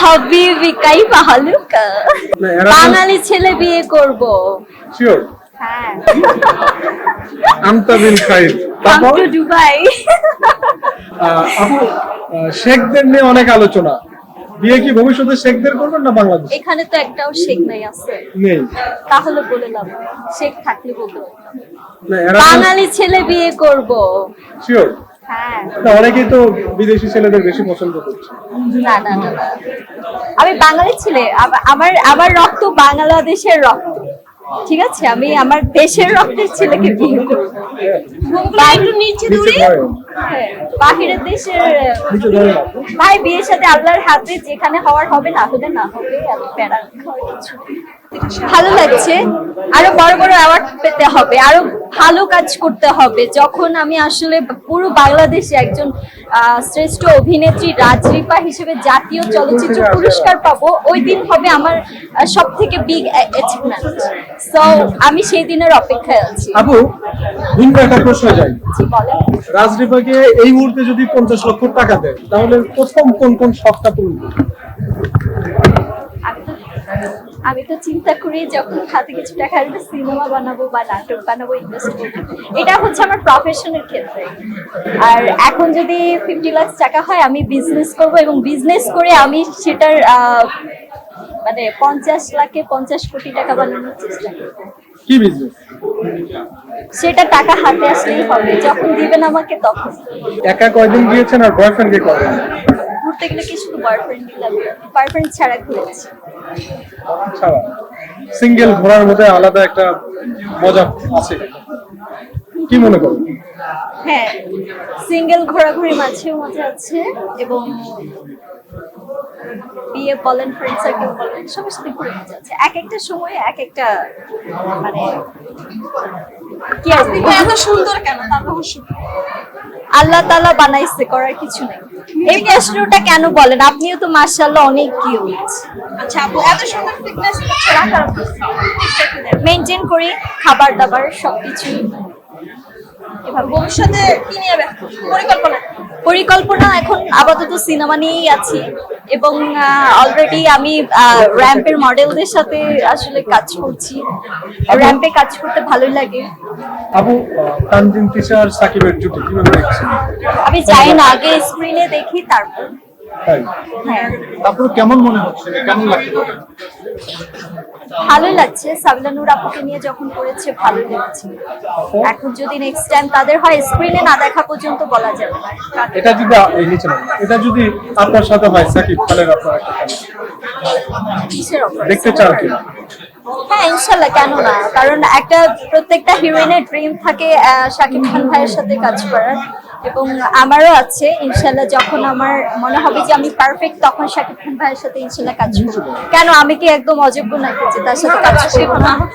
হাবিবি কাইফা হালুকা বাঙালি ছেলে বিয়ে করব শিওর হ্যাঁ আমতা বিন খাইর কাম টু দুবাই আপু শেখদের নিয়ে অনেক আলোচনা বিয়ে কি ভবিষ্যতে শেখদের করবেন না বাংলাদেশ এখানে তো একটাও শেখ নাই আছে নেই তাহলে বলে লাভ নেই। শেখ থাকলে বলতে পারতাম। না এরা বাঙালি ছেলে বিয়ে করব শিওর হ্যাঁ না অনেকেই তো বিদেশি ছেলেদের বেশি পছন্দ করছে না না না না। আমি বাঙালি ছেলে আমার আমার রক্ত বাংলাদেশের রক্ত ঠিক আছে আমি আমার দেশের রক্তের ছেলেকে বিয়ে করব একটু নিচে দূরে হ্যাঁ, বাহিরের দেশের নিচে ধরে না ভাই বিয়ের সাথে আল্লাহর হাতে যেখানে হওয়ার হবে না হলে না হবে এত প্যারা খাওয়ার কিছু নেই। ভালো লাগছে আরো বড় বড় অ্যাওয়ার্ড পেতে হবে আরো ভালো কাজ করতে হবে যখন আমি আসলে পুরো বাংলাদেশে একজন শ্রেষ্ঠ অভিনেত্রী রাজরিপা হিসেবে জাতীয় চলচ্চিত্র পুরস্কার পাবো ওই দিন হবে আমার সব থেকে বিগ অ্যাচিভমেন্ট সো আমি সেই দিনের অপেক্ষায় আছি আপু ভিন্ন একটা প্রশ্ন যাই জি বলেন রাজরিপাকে এই মুহূর্তে যদি 50 লক্ষ টাকা দেয় তাহলে প্রথম কোন কোন শখটা পূরণ করবে আমি তো চিন্তা করি যখন হাতে কিছু টাকা আসবে সিনেমা বানাবো বা নাটক বানাবো ইনভেস্ট করবো এটা হচ্ছে আমার প্রফেশনের ক্ষেত্রে আর এখন যদি 50 লাখ টাকা হয় আমি বিজনেস করব এবং বিজনেস করে আমি সেটার মানে 50 লাখে 50 কোটি টাকা বানানোর চেষ্টা করবো কি বিজনেস সেটা টাকা হাতে আসলেই হবে যখন দিবেন আমাকে তখন একা কয়দিন গিয়েছেন আর বয়ফ্রেন্ডকে কয়দিন ঘুরতে গেলে কি শুধু বয়ফ্রেন্ডই লাগবে বয়ফ্রেন্ড ছাড়া ঘুরেছি ছাড়া সিঙ্গেল ঘোরার মধ্যে আলাদা একটা মজা আছে কি মনে করেন হ্যাঁ সিঙ্গেল ঘোরাঘুরি মাঝেও মজা আছে এবং বিয়ে বলেন ফ্রেন্ড সার্কেল বলেন সবার সাথে ঘুরে মজা আছে এক একটা সময়ে এক একটা মানে কি আর বলবো? এত সুন্দর কেন তার রহস্য কি? আল্লাহ তাআলা বানাইছে করার কিছু নেই এই প্রশ্নটা কেন বলেন আপনিও তো মাশাআল্লাহ অনেক কিউট আচ্ছা আপু এত সুন্দর ফিটনেস রাখার মেইনটেইন করি খাবার দাবার সবকিছু এভাবে ভবিষ্যতে কি নিয়ে ব্যস্ত পরিকল্পনা পরিকল্পনা এখন আপাতত সিনেমা নিয়েই আছি এবং অলরেডি আমি র্যাম্পের মডেলদের সাথে আসলে কাজ করছি র্যাম্পে কাজ করতে ভালোই লাগে আপু তানজিন তিশা আর সাকিবের জুটি কিভাবে দেখছেন আমি যাই না আগে স্ক্রিনে দেখি তারপর তাই হ্যাঁ তারপর কেমন মনে হচ্ছে কেমন লাগছে ভালোই লাগছে সাবিলা নূর আপুকে নিয়ে যখন করেছে ভালোই লেগেছে এখন যদি নেক্সট টাইম তাদের হয় স্ক্রিনে না দেখা পর্যন্ত বলা যাবে না এটা যদি এই নিচে না, এটা যদি আপনার সাথে হয় সাকিব খানের আপনার একটা কেমন? কিসের অফার দেখতে চান কি হ্যাঁ ইনশাল্লাহ কেন না কারণ একটা প্রত্যেকটা হিরোইনের ড্রিম থাকে শাকিব খান ভাইয়ের সাথে কাজ করার এবং আমারও আছে ইনশাল্লাহ যখন আমার মনে হবে যে আমি পারফেক্ট তখন শাকিব খান ভাইয়ের সাথে ইনশাল্লাহ কাজ করবো কেন আমি কি একদম অযোগ্য নাকি যে তার সাথে কাজ করবো না